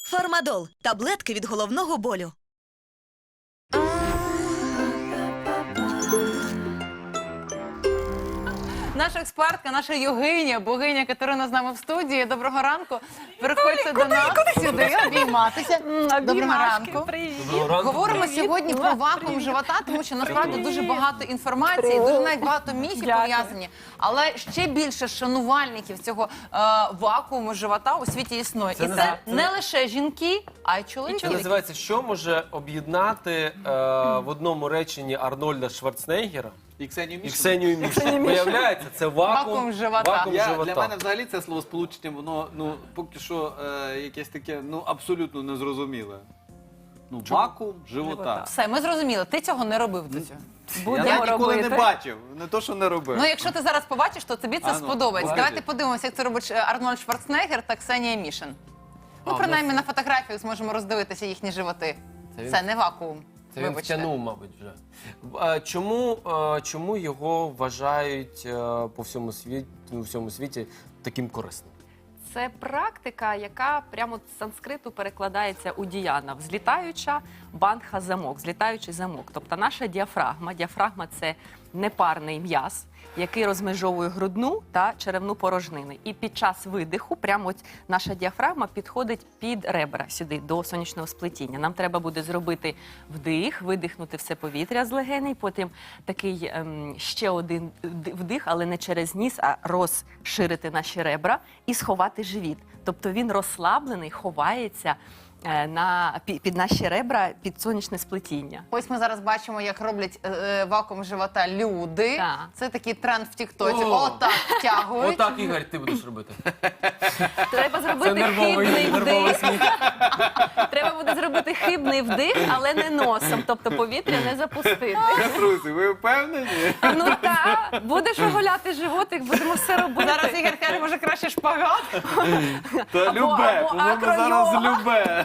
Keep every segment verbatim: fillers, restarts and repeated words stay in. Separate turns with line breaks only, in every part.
Фармадол – таблетки від головного болю.
Наша експертка, наша йогиня, богиня Катерина з нами в студії. Доброго ранку. Переходьте до нас сюди, обійматися. Доброго ранку. Говоримо сьогодні про вакуум живота, тому що насправді дуже багато інформації, дуже навіть багато міфів пов'язані. Але ще більше шанувальників цього е, вакууму живота у світі існує.
Це
І
не
це
за-
не лише жінки, а й
Це
чоловіки.
називається, що може об'єднати е, в одному реченні Арнольда Шварценеггера
І Ксенію
і
Мішину.
Ксенію Мішину. Виявляється, це вакуум,
Вакуум живота.
вакуум
Я,
живота.
для мене взагалі це словосполучення, воно ну, поки що е, якесь таке ну, абсолютно незрозуміле. Ну, вакуум живота.
Все, ми зрозуміли, ти цього не робив до цього.
Я ніколи не бачив, не то, що не робив.
Ну, якщо ти зараз побачиш, то тобі це
А, ну,
сподобається.
покажи.
Давайте подивимося, як це робить е, Арнольд Шварценеггер та Ксенія Мішин. Ну,
А,
принаймні,
ну,
на фотографіях зможемо роздивитися їхні животи.
Це
Це,
він-
не вакуум.
Це він
Вибачте.
втягнув, мабуть, вже. Е, Чому, е, чому його вважають е, по всьому світі, у всьому світі таким корисним?
Це практика, яка прямо з санскриту перекладається у діяна. Взлітаюча бандха замок, взлітаючий замок. Тобто наша діафрагма. Діафрагма – це непарний м'яз, який розмежовує грудну та черевну порожнини. І під час видиху прямо ось наша діафрагма підходить під ребра сюди, до сонячного сплетіння. Нам треба буде зробити вдих, видихнути все повітря з легеней, потім такий ем, ще один вдих, але не через ніс, а розширити наші ребра і сховати живіт. Тобто він розслаблений, ховається е, на, під, під наші ребра, під сонячне сплетіння.
Ось ми зараз бачимо, як роблять е, е, вакуум живота люди.
Так.
Це такий тренд в тіктоці.
О!
Отак втягують.
Отак, Ігор, ти будеш робити.
Треба
Це
зробити
нервовий,
хибний
нервовий
вдих.
сміх.
Треба буде зробити хибний вдих, але не носом, тобто повітря не запустити.
Друзі, ви впевнені?
Ну так, будеш оголяти животик, будемо все робити.
Зараз Ігор каже, може краще шпагат.
Та
Або-
любе,
або
по-моєму,
акро-йога.
зараз любе.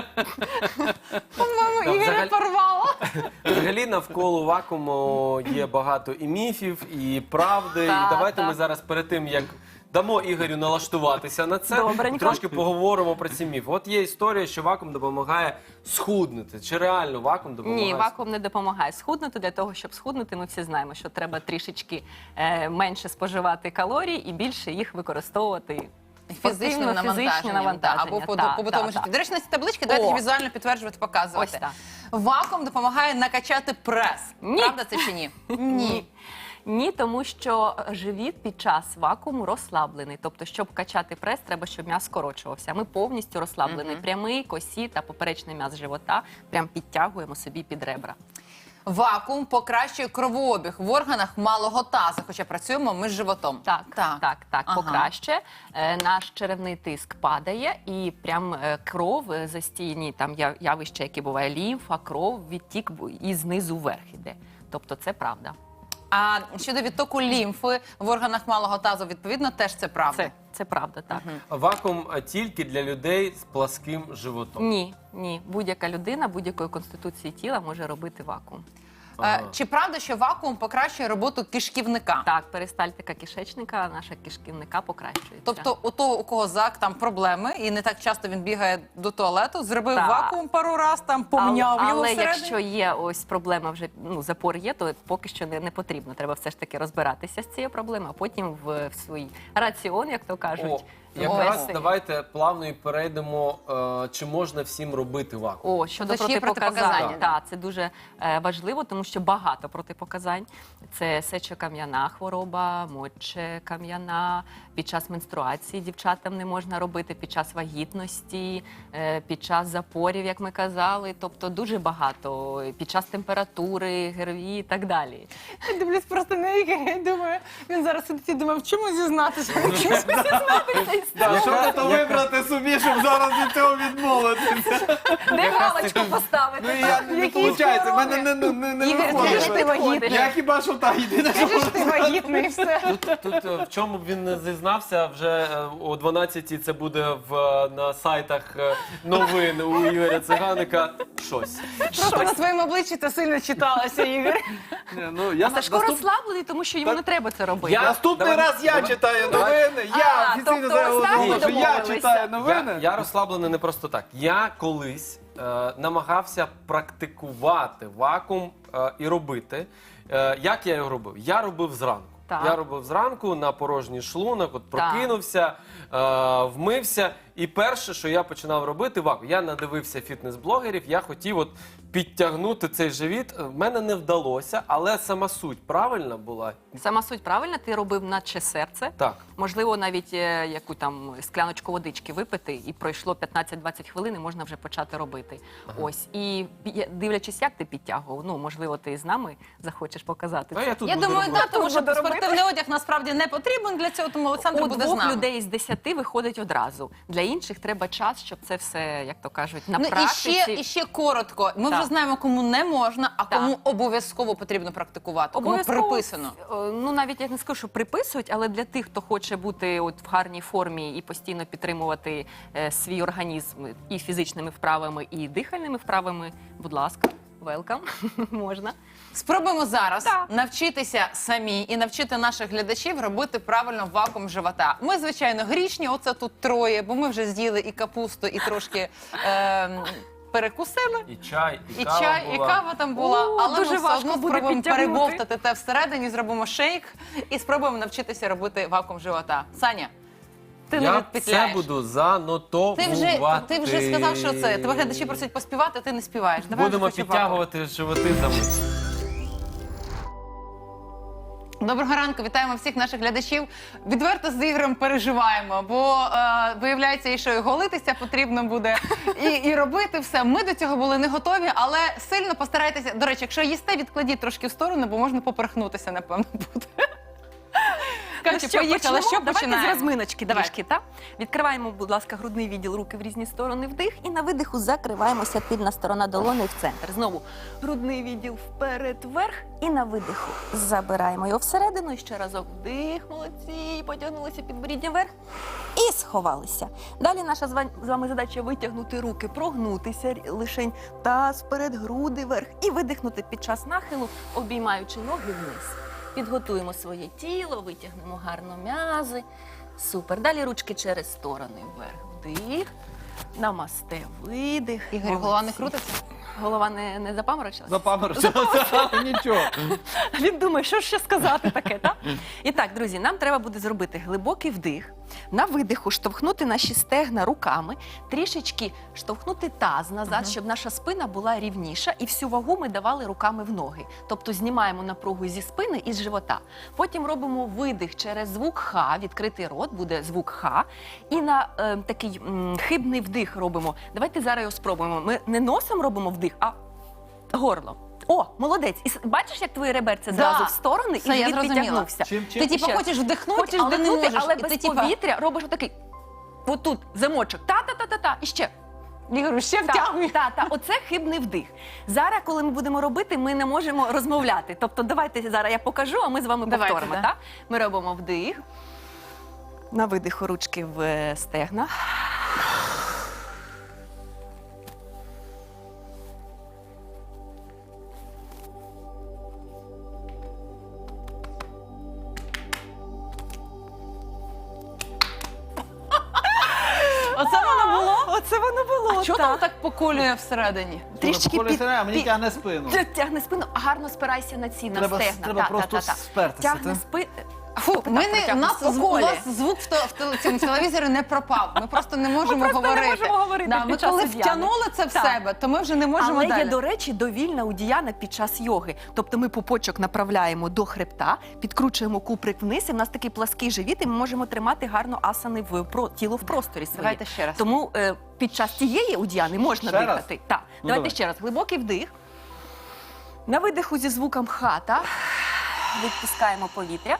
По-моєму,
Так,
Ігоря
взагалі-
порвало.
Взагалі навколо вакууму є багато і міфів, і правди.
Так,
і давайте
так.
ми зараз перед тим, як дамо Ігорю налаштуватися на це,
Добренько.
трошки поговоримо про ці міфи. От є історія, що вакуум допомагає схуднути. Чи реально вакуум допомагає?
Ні, вакуум не допомагає схуднути. Для того, щоб схуднути, ми всі знаємо, що треба трішечки е, менше споживати калорій і більше їх використовувати.
Фізичним
спортивно,
навантаженням,
фізичне
да,
навантаження.
або по
Так,
побутовому
так,
житті.
так.
До речі, на ці таблички давайте
О.
їх візуально підтверджувати, показувати.
Ось так.
Вакуум допомагає накачати прес.
Ні.
Правда це чи ні?
Ні. Ні, тому що живіт під час вакууму розслаблений. Тобто, щоб качати прес, треба, щоб м'яз скорочувався. Ми повністю розслаблений. Прямий, косі та поперечний м'яз живота прям підтягуємо собі під ребра.
Вакуум покращує кровообіг в органах малого тазу, хоча працюємо ми з животом.
Так, так, так, так
Ага.
покраще. Е, наш черевний тиск падає, і прям е, кров е, застійні там я- явище, яке буває лімфа, кров, відтік бу- і знизу вверх іде. Тобто це правда.
А щодо відтоку лімфи в органах малого тазу, відповідно, теж це правда.
Це, це правда, так.
Вакуум а, тільки для людей з пласким животом.
Ні, ні. Будь-яка людина будь-якої конституції тіла може робити вакуум.
Е,
Ага.
Чи правда, що вакуум покращує роботу кишківника?
Так, перистальтика кишечника, наша кишківника покращується.
Тобто у того, у кого зак там проблеми, і не так часто він бігає до туалету, зробив
Так.
вакуум пару раз, там помняв
але,
його
але
всередині.
якщо є ось проблема, вже ну запор є, то поки що не, не потрібно. Треба все ж таки розбиратися з цією проблемою, а потім в, в свій раціон, як то кажуть.
О, якраз
ввести.
давайте плавно і перейдемо, е, чи можна всім робити вакуум.
О, щодо
Це ще є
протипоказань,
протипоказання,
так, це дуже е, важливо, тому що багато протипоказань. Це сечокам'яна хвороба, мочекам'яна, під час менструації дівчатам не можна робити, під час вагітності, е, під час запорів, як ми казали, тобто дуже багато, під час температури, ГРВІ і так далі.
Я дивлюсь просто на Ігоря і думаю, він зараз сидить і думає, в чому зізнатися?
Так, що ти то вибрати собі, щоб зараз від цього відмовитися?
Де галочку поставити?
Ну, я не
Які
виходить, в мене
хвороби?
не, не, не, не
Ігор,
виходить.
ти ж ти вагітний.
Я хіба що та єдине, що
Скажи, що ти вагітний і все.
Тут, тут е, в чому б він не зізнався, вже е, о дванадцятій це буде в, е, на сайтах е, новин у Ігоря Циганика щось.
Просто на своєму обличчі це сильно читалося, Ігор.
Ні, ну, я
А
на-
Сашко
наступ-
розслаблений, тому що йому
Так.
не треба це робити.
Я-
Наступний
Давай-
раз я
давай-
читаю
давай-
новини. Я
А,
офіційно
тобто
заявив,
ось так
що
ви
я
домовилися.
читаю новини.
Я, я розслаблений не просто так. Я колись е, намагався практикувати вакуум е, і робити. Е, як я його робив? Я робив зранку.
Так.
Я робив зранку на порожній шлунок, от
Так.
прокинувся, е, вмився. І перше, що я починав робити, вакуум. Я надивився фітнес-блогерів, я хотів от підтягнути цей живіт. В мене не вдалося, але сама суть правильна була.
Сама суть правильна, ти робив наче серце.
Так.
Можливо, навіть е, яку там скляночку водички випити, і пройшло п'ятнадцять-двадцять хвилин, і можна вже почати робити. Ось. І пі- дивлячись, як ти підтягував, ну, можливо, ти з нами захочеш показати
А
це.
я тут
Я
буду
думаю,
робити.
так, тому що
Буду робити.
спортивний одяг насправді не потрібен для цього, тому Олександр
У
буде з
двох
нами.
людей з десяти виходить одразу. Для інших треба час, щоб це все, як то кажуть, на
Ну і
практиці.
ще, і ще коротко. Ми
Так.
вже знаємо, кому не можна, а
Так.
кому обов'язково потрібно практикувати. Кому
Обов'язково,
приписано.
е, Ну навіть я не скажу, що приписують, але для тих, хто хоче бути от в гарній формі і постійно підтримувати е, свій організм і фізичними вправами, і дихальними вправами, будь ласка, велкам, можна.
Спробуємо зараз
Так.
навчитися самі і навчити наших глядачів робити правильно вакуум живота. Ми, звичайно, грішні, оце тут троє, бо ми вже з'їли і капусту, і трошки е, перекусили.
І чай, і,
І
кава
чай,
була.
і кава там була,
О,
але
дуже
ми все
важко
одно
буде
спробуємо
підтягнути.
перебовтати те всередині, зробимо шейк і спробуємо навчитися робити вакуум живота. Саня, ти не
Я
відпетляєш.
це буду занотовувати.
Ти вже, ти вже сказав, що це. Тебе глядачі просять поспівати, ти не співаєш. Давай
Будемо
вже хоч
підтягувати животи за мить.
вакуум. Доброго ранку, вітаємо всіх наших глядачів. Відверто з Ігорем переживаємо, бо е, виявляється, і що і голитися потрібно буде, і, і робити все. Ми до цього були не готові, але сильно постарайтеся. До речі, якщо їсте, відкладіть трошки в сторону, бо можна поперхнутися, напевно, буде. Катю, поїхали,
почнемо?
що
Давайте
починаємо?
з розминочки
Давай.
трішки, так? Відкриваємо, будь ласка, грудний відділ, руки в різні сторони, вдих. І на видиху закриваємося, тильна сторона долони в центр. Знову грудний відділ вперед, вверх. І на видиху забираємо його всередину. І ще разок вдих, молодці, потягнулися підборіддя вверх. І сховалися. Далі наша з ва- з вами задача витягнути руки, прогнутися рі- лишень таз вперед, груди вверх. І видихнути під час нахилу, обіймаючи ноги вниз. Підготуємо своє тіло, витягнемо гарно м'язи. Супер. Далі ручки через сторони вверх. Вдих. Намасте, видих.
Ігор, голова не
Молодці.
крутиться?
Голова не, не запаморочилась?
Запаморочилося. Нічого.
Він думає, що ж ще сказати таке, так? І так, друзі, нам треба буде зробити глибокий вдих. На видиху штовхнути наші стегна руками, трішечки штовхнути таз назад, щоб наша спина була рівніша, і всю вагу ми давали руками в ноги. Тобто знімаємо напругу зі спини і з живота. Потім робимо видих через звук Х, відкритий рот, буде звук Х. І на е, такий м, хибний вдих робимо. Давайте зараз його спробуємо. Ми не носом робимо вдих, а горлом. О, молодець. І с- бачиш, як твої реберця
Да.
зразу в сторони,
Все,
і
я
живіт
зрозуміла.
підтягнувся.
Чим, чим?
Ти типу
ще раз.
хочеш вдихнути,
Хочеш
але
вдихнути,
не можеш.
але
І
без
ти, типу,
повітря робиш отакий. Отут замочок. Та-та-та-та-та. І ще.
Ігорю, ще
Так,
втягуй.
так, так. Оце хибний вдих. Зараз, коли ми будемо робити, ми не можемо розмовляти. Тобто, давайте зараз я покажу, а ми з вами
Давайте,
повторимо.
да.
Так? Ми робимо вдих. На видиху ручки в е, стегна.
Оце воно було?
Оце воно було.
А чого там так поколює всередині?
Трішки
Коли
під,
сирена, мені
під-
тягне спину.
Ти Тягни спину, гарно спирайся на ці, на
Треба-
стегна.
треба
Та,
просто
та, та, та.
спертися,
Тягни
та?
спину.
Фу, ми не, у
протягнемо.
нас
По
звук, у
колі.
вас звук в, те- в теле- цьому телевізорі не пропав. Ми просто не можемо
просто не
говорити.
можемо говорити
Да,
під
ми
час
коли
одіяни.
втягнули це в
Так.
себе, то ми вже не можемо
Але
далі.
є, до речі, довільна удіяна під час йоги. Тобто ми пупочок направляємо до хребта, підкручуємо куприк вниз, і в нас такий плаский живіт, і ми можемо тримати гарно асани в про, тіло в просторі своє.
Давайте ще раз.
Тому е, під час цієї удіяни можна
Ще раз?
дихати. Так.
Ну,
Давайте
давай.
ще раз. Глибокий вдих. На видиху зі звуком хата. Відпускаємо повітря.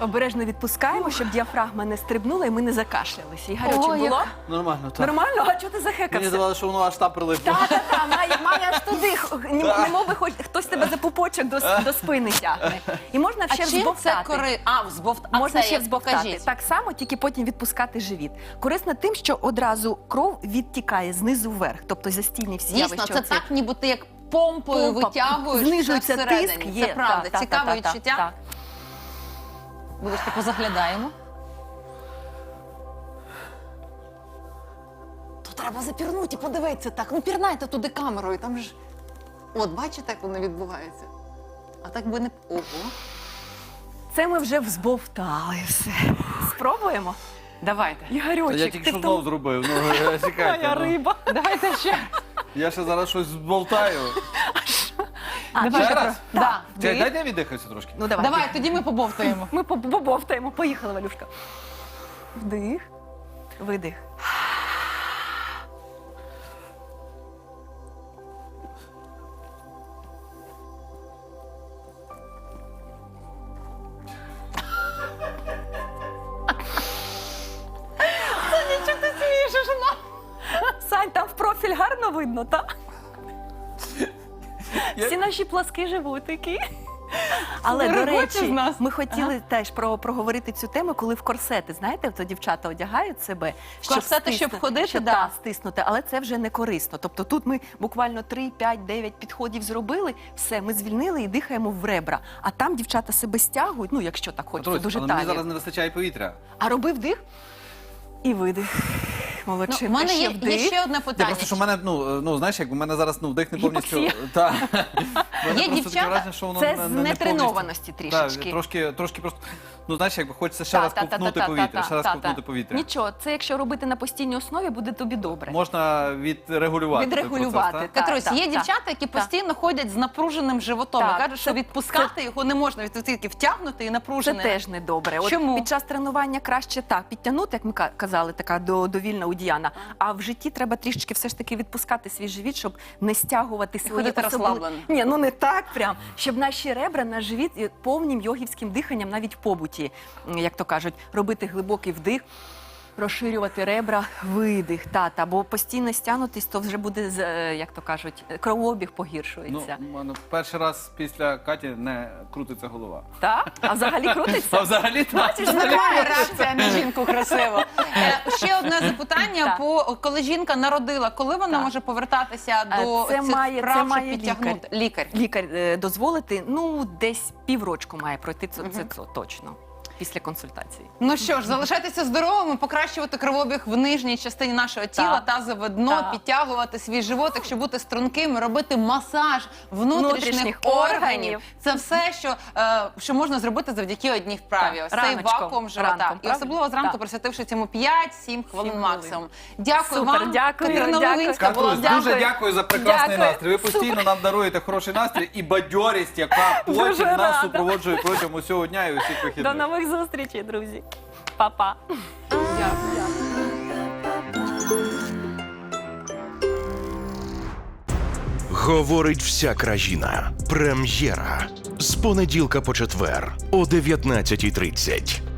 Обережно відпускаємо, щоб діафрагма не стрибнула і ми не закашлялися. І гаряче
Ой,
було?
як-
Нормально, так.
Нормально? А чого ти
Мені
захекався?
здавалося, що воно аж там прилипло.
Та-та-та, має, має аж туди, х- ні- немов би хоч хтось тебе за пупочок до, с- до спини тягне. І можна
А
ще
чим це
взбовтати.
кори... А, взбовт... а
Можна
це
ще
як?
взбовтати.
Покажіть.
Так само, тільки потім відпускати живіт. Корисно тим, що одразу кров відтікає знизу вверх, тобто застійні всі
Дійсно,
явища.
це
оці.
так, ніби ти як помпою
Помпа,
витягуєш
знижується
все всередині.
тиск, є.
Це правда.
та, та,
Цікаве
та, та,
відчуття.
так.
Вибачте, позаглядаємо. То треба запірнути і подивитися так. Ну, пірнайте туди камерою, там ж... От, бачите, як воно відбувається? А так би не... Ого.
Це ми вже взбовтали все. Спробуємо?
Давайте.
Ігорючик,
Я тільки
ти
що
в тому-
знов зробив. Ну, е, чекайте.
Моя
ну.
риба.
Давайте ще.
Я ще зараз щось зболтаю.
А,
Ще
ще
раз?
Да.
Чекай, дайте я віддихаюся трошки.
Ну, давай.
Давай, тоді ми побовтаємо.
Ми по- побовтаємо. Поїхали, Валюшка. Вдих. Видих. Саня, ти смієш, жена? Сань, там в профіль гарно видно, так? Всі наші пласки животики. Але, до
Регоче
речі,
з нас.
ми хотіли теж про, проговорити цю тему, коли в корсети, знаєте, то дівчата одягають себе.
Корсети, щоб
стиснути-
ходити,
щоб,
да.
та, стиснути, але це вже не корисно. Тобто тут ми буквально три, п'ять, дев'ять підходів зробили, все, ми звільнили і дихаємо в ребра. А там дівчата себе стягують, ну якщо так хочеться,
Петрусь,
дуже
але мені
талія.
зараз не вистачає повітря.
А роби вдих і видих.
Ну,
Молодчинка,
в мене
ще
є,
вдих.
є ще одне
Ні,
питання.
просто що в мене, ну, ну знаєш, як у мене зараз ну, вдих не повністю.
Гіпоксія.
Та. В мене
Є
просто таке
дівчата-
враження, що воно
Це
не-
з
не- не
нетренованості
повністю.
трішечки.
Так, трошки, трошки просто, ну знаєш, якби хочеться ще
Та,
раз
та, та,
ковтнути
та, та,
повітря,
та,
ще раз
та,
ковтнути
та.
повітря.
Нічого, це якщо робити на постійній основі, буде тобі добре.
Можна відрегулювати. той
Відрегулювати.
процес, так?
Так,
Катрусь,
так,
є
так.
дівчата, які
Так.
постійно ходять з напруженим животом.
Так,
І кажуть, що
це-
відпускати його не можна. Від тільки втягнути і
Це
напружене.
теж не добре. От
Чому?
під час тренування краще так підтягнути, як ми ка- казали, така до- довільна удіяна. А в житті треба трішечки все ж таки відпускати свій живіт, щоб не стягувати свої
ходити
особли-
розслаблено.
Ні, ну не так прям. Щоб наші ребра, наш живіт і повним йогівським диханням, навіть в побуті, м, як то кажуть, робити глибокий вдих. Розширювати ребра, видих, тата, бо постійно стягнутись, то вже буде, з, е, як то кажуть, кровообіг
Ну,
погіршується.
у мене перший раз після Каті не крутиться голова.
Так? А взагалі крутиться?
А взагалі так.
Бачиш,
Нормальна реакція на жінку красиво. Е, Ще одне запитання,
Так.
по коли жінка народила, коли вона
Так.
може повертатися
Е,
до
це
цих
має-
вправ,
це
щоб
має
підтягнути? Лікар.
Лікар е, дозволити, ну, десь піврочку має пройти, це, це, це точно, після консультації.
Ну що ж, залишайтеся здоровими, покращувати кровообіг в нижній частині нашого тіла,
Так.
тазове дно,
Так.
підтягувати свій животик, щоб бути струнким, робити масаж внутрішніх,
Внутрішніх
органів.
органів.
Це все, що, е, що можна зробити завдяки одній вправі.
Так,
Ось цей
раночком,
вакуум живота.
ранком,
І особливо
правда?
зранку
Так.
присвятивши цьому п'ять-сім хвилин
Сім
максимум. Дякую
Супер,
вам.
дякую,
Катерина
дякую.
Левинська була
Катрусь,
з нами.
дуже дякую за прекрасний
Дякую.
настрій. Ви постійно нам даруєте хороший настрій і бадьорість, яка потім
Дуже
нас
рада.
супроводжує протягом усього дня і усіх
До
вихідних.
нових зустрічей, друзі. Па-па.
Говорить вся країна. Прем'єра. З понеділка по четвер о дев'ятнадцятій тридцять.